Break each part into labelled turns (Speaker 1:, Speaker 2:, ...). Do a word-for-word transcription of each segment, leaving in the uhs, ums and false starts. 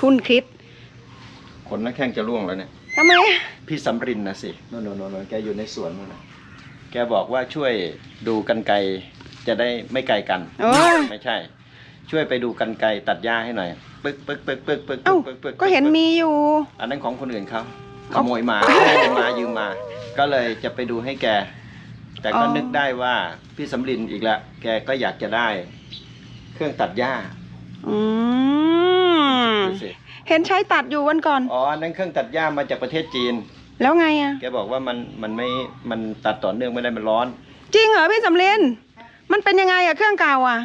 Speaker 1: คุณคิด
Speaker 2: ขนนักแข้งจะร่วงแล้วเนี่ย
Speaker 1: ทำไม
Speaker 2: พี่สำรินนะสิโน่นโน่นโน่นแกอยู่ในสวนนู่นนะแกบอกว่าช่วยดูกรรไกรจะได้ไม่ไกลกันไม่ใช่ช่วยไปดูกรรไกรตัดหญ้าให้หน่อยปึ๊กปึ๊กปึ๊กปึ๊กปึ๊กปึ๊กปึ๊ก
Speaker 1: ก็เห็นมีอยู่
Speaker 2: อันนั้นของคนอื่นเขาขโมยมายืมมายืมมาก็เลยจะไปดูให้แกแต่ก็นึกได้ว่าพี่สำรินอีกแล้วแกก็อยากจะได้เครื่องตัดหญ้า
Speaker 1: อืมเห็นใช้ตัดอยู่วันก่อน
Speaker 2: อ๋อนั่นเครื่องตัดหญ้ามาจากประเทศจีน
Speaker 1: แล้วไงอ่ะ
Speaker 2: แกบอกว่ามันมันไม่มันตัดต่อเนื่องไม่ได้มันร้อน
Speaker 1: จริงเหรอพี่สำรินมันเป็นยังไงอะเครื่องเก่าอะ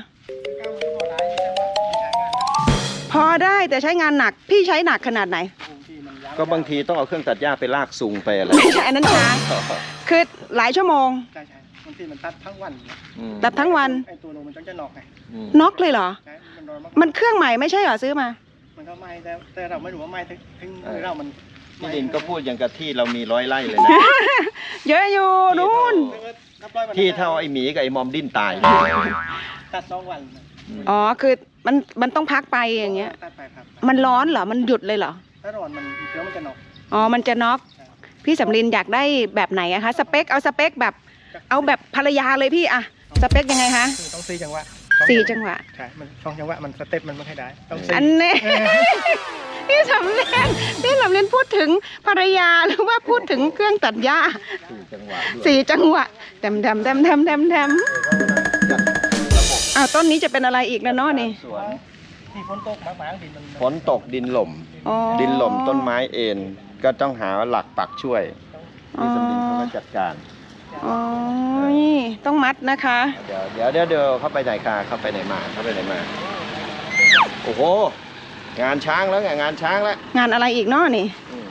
Speaker 1: พอได้แต่ใช้งานหนักพี่ใช้หนักขนาดไหน
Speaker 2: ก็บางทีต้องเอาเครื่องตัดหญ้าไปลากซุงไปอะไร
Speaker 1: ไม่ใช่อันนั้นช้าคือหลายชั่วโมง
Speaker 3: ใช่ใช่บางทีมันตัดทั้งวัน
Speaker 1: ตัดทั้งวัน
Speaker 3: ไอตัวลงมันต้องจะน็อกไง
Speaker 1: น็อกเลยเหรอมันเครื่องใหม่ไม่ใช่เหรอซื้อมา
Speaker 3: มันก็ไม่แต่แต่เราไม่รู้ว่าไม่ถึงถึงเรามัน
Speaker 2: พี่ดินก็พูดอย่างกับที่เรามีร้อยไร่เลยนะ
Speaker 1: เยอะอยู่นู่น
Speaker 2: ที่เท่าไอหมีกับไอมอมดิ้นตาย
Speaker 3: ตัดสองวัน
Speaker 1: อ๋อคือมันมันต้องพักไปอย่างเงี้ยมันร้อนเหรอมันหยุดเลยเหรอ
Speaker 3: ถ้าร้อนมันเครื่องมันจะน็อก
Speaker 1: อ๋อมันจะน็อกพี่สำรินอยากได้แบบไหนอะคะสเปคเอาสเปคแบบเอาแบบภรรยาเลยพี่อะสเปคยังไงคะ
Speaker 3: ต้องสี่จังหวะ
Speaker 1: สี่จังหวะ
Speaker 3: ใช่มันสองจังหวะมันสเต็ปมันไม่ค่อยได้ต้องสี่
Speaker 1: อันนี้พี่สำรินพี่สำรินพูดถึงภรรยาหรือว่าพูดถึงเครื่องตัดหญ้า
Speaker 2: สี่จังหวะ
Speaker 1: สี่จังหวะแดมแดมแดมแดมแดมแดมอ้าวต้นนี้จะเป็นอะไรอีกแล้วเนาะนี่
Speaker 3: ที่ฝนตกมากๆดินมัน
Speaker 2: ฝนตกดินหล่มดินหล่มต้นไม้เอ็นก็ต้องหาหลักปักช่วยพี่สำรินเขาก็จัดการ
Speaker 1: อ๋อต้องมัดนะคะ
Speaker 2: เดี๋ยวเดี๋ยวเดี๋ยวเข้าไปไหนค่ะเข้าไปไหนมาเข้าไปไหนมาโอ้โหงานช้างแล้วไงงานช้างแล้ว
Speaker 1: งานอะไรอีกเนาะนี่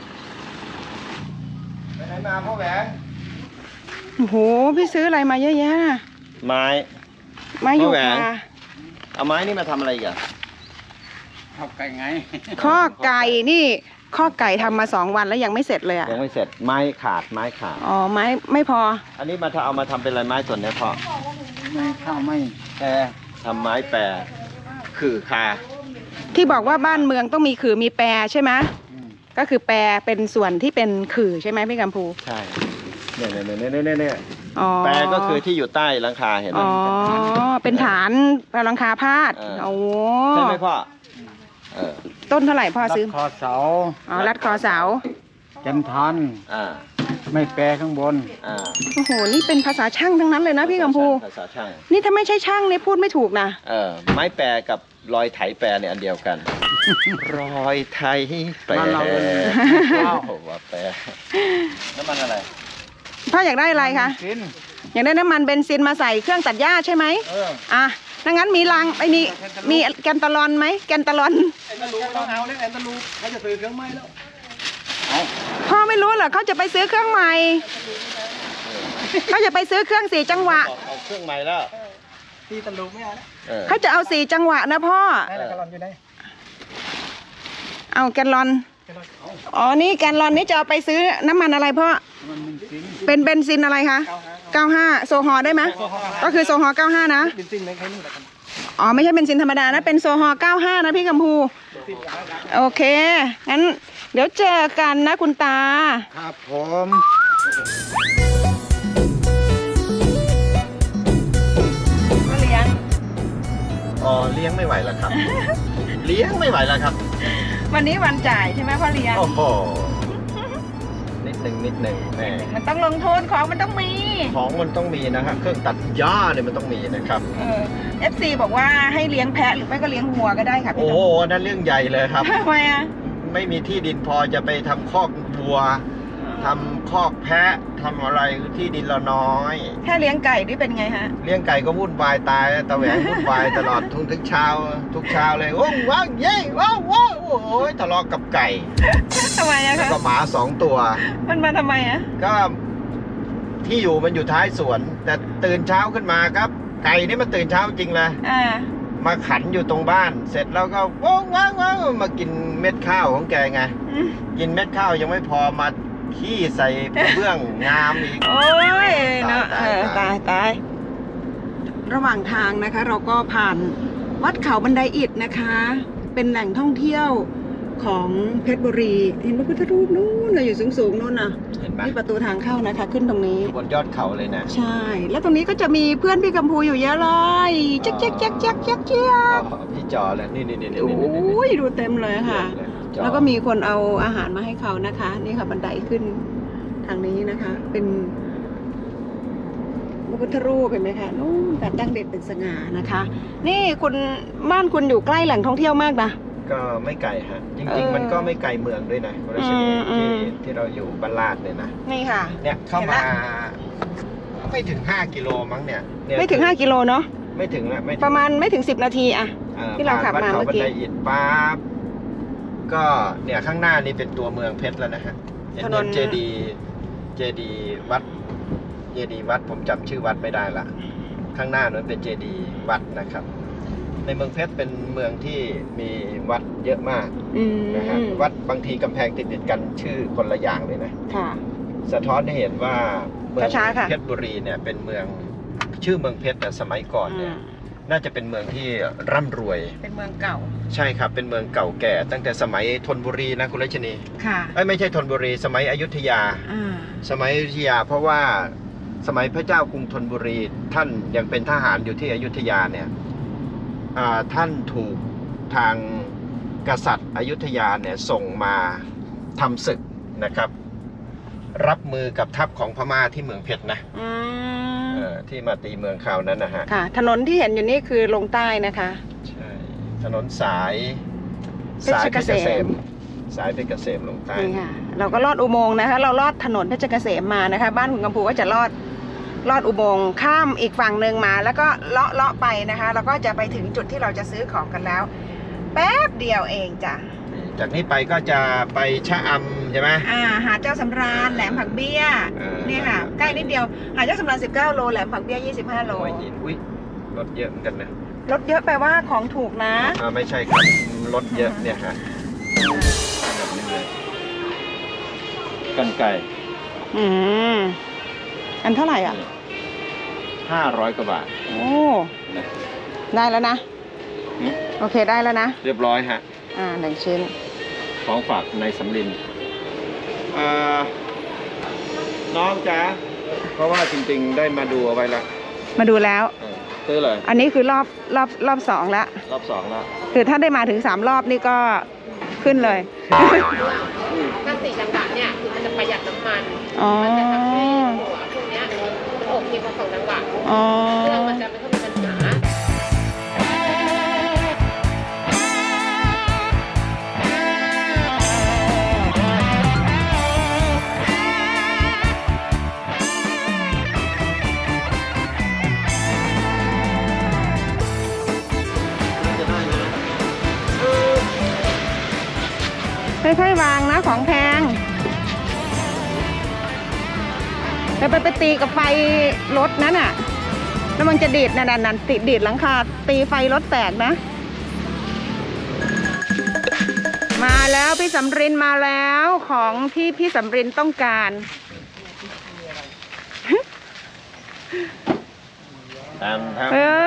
Speaker 2: ไปไหนมาพ่อแหวง
Speaker 1: โอ้โหพี่ซื้ออะไรมาเยอะแยะ
Speaker 2: ไม้
Speaker 1: ไม้ยูคา
Speaker 2: เอาไม้นี่มาทำอะไรกัน
Speaker 3: ข้อไก่ไง
Speaker 1: ข้อไก่นี่ข้อไก่ทำมาสองวันแล้วยังไม่เสร็จเลยอะ
Speaker 2: ยังไม่เสร็จไม้ขาดไม้ขาด
Speaker 1: อ๋อไม้ไม่พอ
Speaker 2: อันนี้มาเอามาทำเป็นอะไรไม้ส่วนนี้พอ
Speaker 3: ไม้ข้าวไม่
Speaker 2: แปรทำไม้แปรคือคา
Speaker 1: ที่บอกว่าบ้านเมืองต้องมีขื่อมีแปรใช่ไหมก็คือแปรเป็นส่วนที่เป็นขื่อใช่ไหมพี่กัมพู
Speaker 2: ใช่เนี่ยเนี่ยเนี่ยเนี่ยเนี่ยแปรก็คือที่อยู่ใต้หลังคาเห็นไหม
Speaker 1: อ๋อเป็นฐานหลังคาพาดโอ้
Speaker 2: ใช่ไหมพ่อ
Speaker 1: ต้นเท่าไหร่พ่อซื้อ
Speaker 3: รัดคอเสา
Speaker 1: อ๋อรัดคอเสา
Speaker 3: จันทัน
Speaker 2: อ่า
Speaker 3: ไม่แปรข้างบน
Speaker 2: อ่า
Speaker 1: โอ้โหนี่เป็นภาษาช่างทั้งนั้นเลยนะพี่กัมพู
Speaker 2: ภาษาช่าง
Speaker 1: นี่ถ้าไม่ใช่ช่างเนี่ยพูดไม่ถูกนะ
Speaker 2: เออไม้แปรกับรอยไถแปรเนี่ยอันเดียวกันรอยไถแปรว้าวว่าแปรน้ำมันอะไร
Speaker 1: พ่ออยากได้อะไรคะอยากได้น้ำมันเบนซินมาใส่เครื่องตัดหญ้าใช่ไหม
Speaker 2: เออ
Speaker 1: อ่ะถ้างั้นมีรังไอ้มีมีแกนตาลอนไหมแกนตาลอน
Speaker 3: แอนตาลูต้องเอาเนี่ยแอนตาลูเขาจะซื้อเครื่องไม้แล้ว
Speaker 1: พ่อไม่รู้เหรอเขาจะไปซื้อเครื่องใหม่เขาจะไปซื้อเครื่องสี่จังหวะ
Speaker 2: เอาเครื่องใหม่แล้ว
Speaker 3: ที่ตาลูไม่เอา
Speaker 1: เขาจะเอาสี่จังหวะนะพ่อเอาแกนลอนอ๋อนี่แกนลอนนี่จะเอาไปซื้อน้ำมันอะไรพ่อเป็นเบนซินอะไรคะเก้าห้าโซฮอได้ไหมก็คือโซฮอเก้าห้านะอ๋อไม่ใช่เบนซินธรรมดานะเป็นโซฮอเก้าห้านะพี่กัมพูโอเคงั้นเดี๋ยวเจอกันนะคุณตา
Speaker 3: ครับผม
Speaker 1: เลี้ยง
Speaker 2: อ๋อเลี้ยงไม่ไหวแล้วครับเลี้ยงไม่ไหวแล้วครับ
Speaker 1: วันนี้วันจ่ายใช่ไหมพ่อเลี้ยง
Speaker 2: โอ้โหนิดหนึ่งนิดหนึ่งแม่
Speaker 1: มันต้องลงทุนของมันต้องมี
Speaker 2: ของมันต้องมีนะครับเครื่องตัดหญ้าเนี่ยมันต้องมีนะครับ
Speaker 1: เออเอฟซีบอกว่าให้เลี้ยงแพะหรือไม่ก็เลี้ยงวัวก็ได้ค่ะ
Speaker 2: โอ้โหนั่นเรื่องใหญ่เลยครับ
Speaker 1: ทำไมอ่ะ
Speaker 2: ไม่มีที่ดินพอจะไปทำคอกวัวทำคอกแพะทำอะไรที่ดินเราน้อย
Speaker 1: แค่เลี้ยงไก่นี่เป็นไงฮะ
Speaker 2: เลี้ยงไก่ก็วุ่นวายตายตะแหวงวุ่นวายตลอดทุกทุกเช้าทุกเช้าเลยโอ้ว้าวเย้ว้าวว้าวโอ้ยทะเลาะกับไก่
Speaker 1: ทำไมอะคะ
Speaker 2: แล้วก็หมาสองตัว
Speaker 1: มันมาทำไมอะ
Speaker 2: ก็ที่อยู่มันอยู่ท้ายสวนแต่ตื่นเช้าขึ้นมาครับไก่นี่มันตื่นเช้าจริงเลยมาขันอยู่ตรงบ้านเสร็จแล้วก็ว้าวว้าวว้าวมากินเม็ดข้าวของแกไงกินเม็ดข้าวยังไม่พอมาขี้ใส่เบื้องงามอีก
Speaker 1: โอ้ยเนาะตายตายระหว่างทางนะคะเราก็ผ่านวัดเขาบันไดอิฐนะคะเป็นแหล่งท่องเที่ยวของเพชรบุรีเห็นพระพุทธรูปนู้นเราอยู่สูงๆนู้นน่ะ
Speaker 2: เห็นไหม
Speaker 1: นี่ประตูทางเข้านะคะ ขึ้นตรงนี้
Speaker 2: บนยอดเขาเลยนะ
Speaker 1: ใช่ แล้วตรงนี้ก็จะมีเพื่อนพี่กัมพูอยู่เยอะเลยเจ๊กเจ๊กเจ๊กเจ๊กเจ๊กเจ๊ก
Speaker 2: อ๋อพี่จอเลยนี่นี่นี่นี่
Speaker 1: โอ
Speaker 2: นี่นี่
Speaker 1: ้ยดูเต็มเลยค่ะ
Speaker 2: จอ
Speaker 1: แล้วก็มีคนเอาอาหารมาให้เขานะคะ นี่ค่ะบันไดขึ้นทางนี้นะคะ เป็นพระพุทธรูปเห็นไหมคะนู่นแต่ตั้งเด่นเป็นสง่านะคะ นี่คุณบ้านคุณอยู่ใกล้แหล่งท่องเที่ยวมากนะ
Speaker 2: ก็ไม่ไกลฮะจ
Speaker 1: เอ
Speaker 2: ริง
Speaker 1: อ
Speaker 2: ๆ มันก็ไม่ไกลเมืองด้วยนะคุณรัชนี
Speaker 1: อืมอื
Speaker 2: ที่
Speaker 1: ม
Speaker 2: ที่เราอยู่บ้านลาดเนี่ยนะ
Speaker 1: นี่ค่ะ
Speaker 2: เนี่ยเข้า
Speaker 1: เห็น
Speaker 2: มา
Speaker 1: ละ
Speaker 2: ไม่ถึงห้ากิโลมั้งเนี่ยเนี่ย
Speaker 1: ไม่ถึงห้ากิโลเนาะ
Speaker 2: ไม่ถึงนะไม่ถึง
Speaker 1: ประมาณไม่ถึงสิบนาทีอะ
Speaker 2: อ่
Speaker 1: ที่เราขับมา
Speaker 2: ผ่นวัด
Speaker 1: เมื่อกี้
Speaker 2: เขาบันไดอิฐปั๊บก็เนี่ยข้างหน้านี่เป็นตัวเมืองเพชรแล้วนะฮะเห็น
Speaker 1: ถนน
Speaker 2: เจดีเจดีวัดเจดีวัดผมจำชื่อวัดไม่ได้ละข้างหน้านั้นเป็นเจดีวัดนะครับ ในเมืองเพชรเป็นเมืองที่มีวัดเยอะมาก
Speaker 1: อืม
Speaker 2: นะฮะวัดบางทีกำแพงติดติดๆกันชื่อคนละอย่างเลยนะ
Speaker 1: ค่ะ
Speaker 2: สะท้อนให้เห็นว่าเมือง
Speaker 1: ช้าๆค่ะ
Speaker 2: เพชรบุรีเนี่ยเป็นเมืองชื่อเมืองเพชรแต่สมัยก่อนเนี่ยน่าจะเป็นเมืองที่ร่ำรวย
Speaker 1: เป็นเมืองเก่า
Speaker 2: ใช่ครับเป็นเมืองเก่าแก่ ตั้งแต่สมัยธนบุรีนะคุณรัชนี
Speaker 1: ค่ะ
Speaker 2: เอ้ยไม่ใช่ธนบุรี สมัยอยุธยา
Speaker 1: อ่า
Speaker 2: สมัยอยุธยา เพราะว่าสมัยพระเจ้ากรุงธนบุรี ท่านยังเป็นทหารอยู่ที่อยุธยาเนี่ยอ่าท่านถูกทางกษัตริย์อยุธยาเนี่ยส่งมาทำศึกนะครับ รับมือกับทัพของพม่าที่เมืองเพชรนะ
Speaker 1: อืม
Speaker 2: เออที่มาตีเมืองคราวนั้นนะฮะ
Speaker 1: ค่ะ ถนนที่เห็นอยู่นี่คือลงใต้นะคะ
Speaker 2: ใช่ถนนสาย
Speaker 1: เพชร
Speaker 2: สายเพชรเกษ
Speaker 1: เกษ
Speaker 2: ม
Speaker 1: ม
Speaker 2: สายเพชรเกษมลงใต้
Speaker 1: นี่ค่ะ เราก็ลอดอุโมงค์นะคะ เราลอดถนนเพชรเกษมมานะคะ บ้านคุณกัมพูก็จะลอดลอดอุโมงค์ข้ามอีกฝั่งหนึ่งมา แล้วก็เลาะเลาะไปนะคะแล้วก็จะไปถึงจุดที่เราจะซื้อของกันแล้ว แป๊บเดียวเองจ้ะ
Speaker 2: จากนี้ไปก็จะไปชะอำใช่ไหม
Speaker 1: อ่าหาดเจ้าสำราญแหลมผักเบี้ย
Speaker 2: เออ
Speaker 1: นี่ค่ะ ใกล้นิดเดียวหาดเจ้าสำราญสิบเก้าโลแหลมผักเบี้ยยี่สิบห้าโล
Speaker 2: หัวหินอุ้ยรถเยอะเหมือนกันนะ
Speaker 1: รถเยอะแปลว่าของถูกนะ
Speaker 2: อ่าไม่ใช่ครับรถเยอะเนี่ยฮะแบบนี้เลยกันไก่
Speaker 1: อืมอันเท่าไหร่อ่ะ
Speaker 2: ห้าร้อยกว่าบาท
Speaker 1: โอ้
Speaker 2: นะ
Speaker 1: ได้แล้วนะ
Speaker 2: หืม
Speaker 1: โอเคได้แล้วนะ
Speaker 2: เรียบร้อยฮะ
Speaker 1: อ่าหนึ่งชิ้น
Speaker 2: ของฝากในสำลินอ่าน้องจ๋าเพราะว่าจริงๆได้มาดูเอาไว้แล้ว
Speaker 1: มาดูแล้ว
Speaker 2: เออซื้อเลย
Speaker 1: อันนี้คือรอบรอบรอบสองแล้ว
Speaker 2: รอบสองแล้ว
Speaker 1: คือถ้าได้มาถึงสามรอบนี่ก็ขึ้นเลย
Speaker 4: ถ้าสี่จังหวะเนี่ยคือมันจะประหยัดน้ำมัน
Speaker 1: อ๋อ
Speaker 4: มันจะทำให้หัวพวกเนี้ยมันอกมีความสองจังหวะ
Speaker 1: อ๋อ
Speaker 4: เครื่องมันจะไม่ค่อยมีปัญหา
Speaker 1: ค่อยๆวางนะของแพงแต่ไปไปตีกับไฟรถนั้นอ่ะ แล้วมันจะดีดนั่นนั่นติดดีดหลังคาตีไฟรถแตกนะ มาแล้วพี่สำรินมาแล้วของที่พี่สำรินต้องการ
Speaker 2: ตามท
Speaker 1: เออ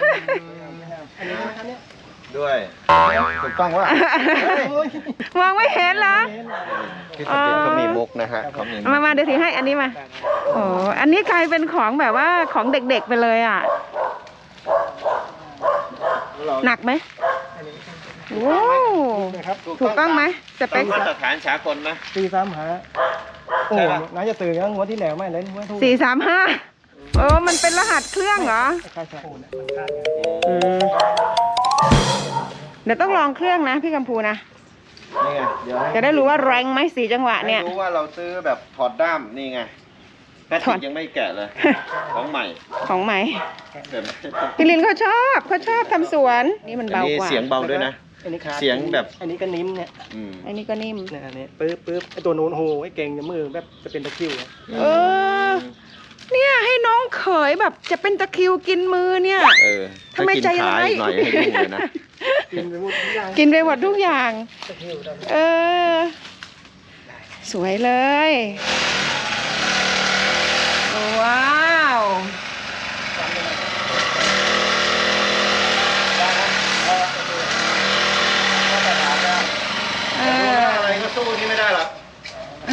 Speaker 2: ำด้วยถูกต้องว่า
Speaker 1: มองไม่เห็นเหรอ
Speaker 2: พี่สมเด็จเขามีมุกนะฮะเขามีมุก
Speaker 1: มามาเดี๋ยวถือให้อันนี้มา โอ้อันนี้กลายเป็นของแบบว่าของเด็กๆไปเลยอ่ะ หนักไหมโอ้
Speaker 3: นะครับ
Speaker 1: ถูกต้องไหมสเป
Speaker 2: ต้อ
Speaker 1: ค
Speaker 2: งมาตรฐานสากลนะ
Speaker 3: ตีซ้ำหาโอ้น่าจะตื่นยังหัวที่แหลวไม่เลยหัวทุ่ง
Speaker 1: สี่สามห้าโอ้มันเป็นรหัสเครื่องเหรอ
Speaker 3: ใช่ใช่โอ้เนี่ยมันคาดไง
Speaker 1: อืมเดี๋ยวต้องลองเครื่องนะพี่กัมพูนะ
Speaker 2: นี่ไงเดี๋ยวให้
Speaker 1: จะได้รู้ว่าแรงไหมสี่จังหวะเนี่ย
Speaker 2: ให้รู้ว่าเราซื้อแบบถอดด้ามนี่ไงแพท
Speaker 1: ถอด
Speaker 2: ย์ยังไม่แกะเลย ของใหม่
Speaker 1: ของใหม่
Speaker 2: เดี๋ยวนะ
Speaker 1: พี่ลินเขาชอบเขาชอบทำสวน นี่มัน
Speaker 2: อัน
Speaker 1: เบา
Speaker 2: นี้
Speaker 1: กว่า
Speaker 2: เสียงเบาด้วยนะ
Speaker 3: อันนี้คาด
Speaker 2: เสียงแบบ
Speaker 3: อันนี้ก็นิ่มเนี่ย
Speaker 2: อืม
Speaker 1: อันนี้ก็นิ่ม
Speaker 3: เนี่ยอันนี้ปึ๊บปึ๊บไอตัวโน้นโหไอเก่งจะมือแบบจะเป็นตะคริวอะ
Speaker 1: เออ เนี่ยให้น้องเขยแบบจะเป็นตะคริวกินมือเนี่ย
Speaker 2: เออ
Speaker 1: ทำไมใจร้าย
Speaker 2: ถ้กินขอีกหน่อยให้ดูเลยนะ
Speaker 3: กินไปหมดทุกอย่าง
Speaker 1: กินไปหมดทุกอย่าง
Speaker 3: ตะคริวได้
Speaker 1: เออ สวยเลย ว้าวเออ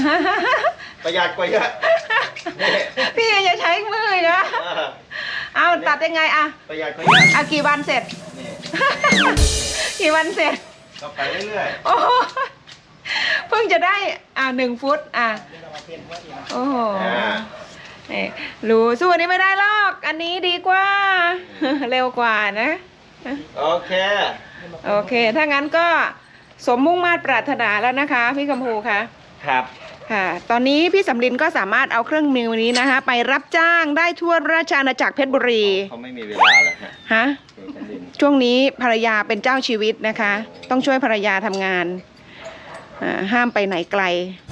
Speaker 2: ประหยัดกว่าเยอะนี่
Speaker 1: พี่อย่าใช้มือนะ
Speaker 2: เออ
Speaker 1: เอาตัดยังไงอะ
Speaker 2: ประหยัดกว่าเยอะ
Speaker 1: อ่ะกี่วันเสร็จ
Speaker 2: นี่
Speaker 1: กี่วันเสร็จ
Speaker 2: ก็ไปเรื่อย
Speaker 1: โอ้โหเพิ่งจะได้อ่าหนึ่งฟุตอ่ะโอ้โห
Speaker 2: ๆอ่า
Speaker 1: นี่รู้สู้อันนี้ไม่ได้หรอก อันนี้ดีกว่า เร็วกว่านะ
Speaker 2: โอเค
Speaker 1: โอเค ถ้างั้นก็สมมุ่งมาตรปรารถนาแล้วนะคะ พี่กำพูคะ
Speaker 2: ครับ
Speaker 1: ค่ะ ตอนนี้พี่สำลินก็สามารถเอาเครื่องมือนี้นะคะ ไปรับจ้างได้ทั่วราชอาณาจักรเพชรบุรี
Speaker 2: เขาไม่มีเวลาแล้วฮะ
Speaker 1: ฮะ
Speaker 2: เอกดิน
Speaker 1: ช่วงนี้ภรรยาเป็นเจ้าชีวิตนะคะ ต้องช่วยภรรยาทำงานอ่าห้ามไปไหนไกล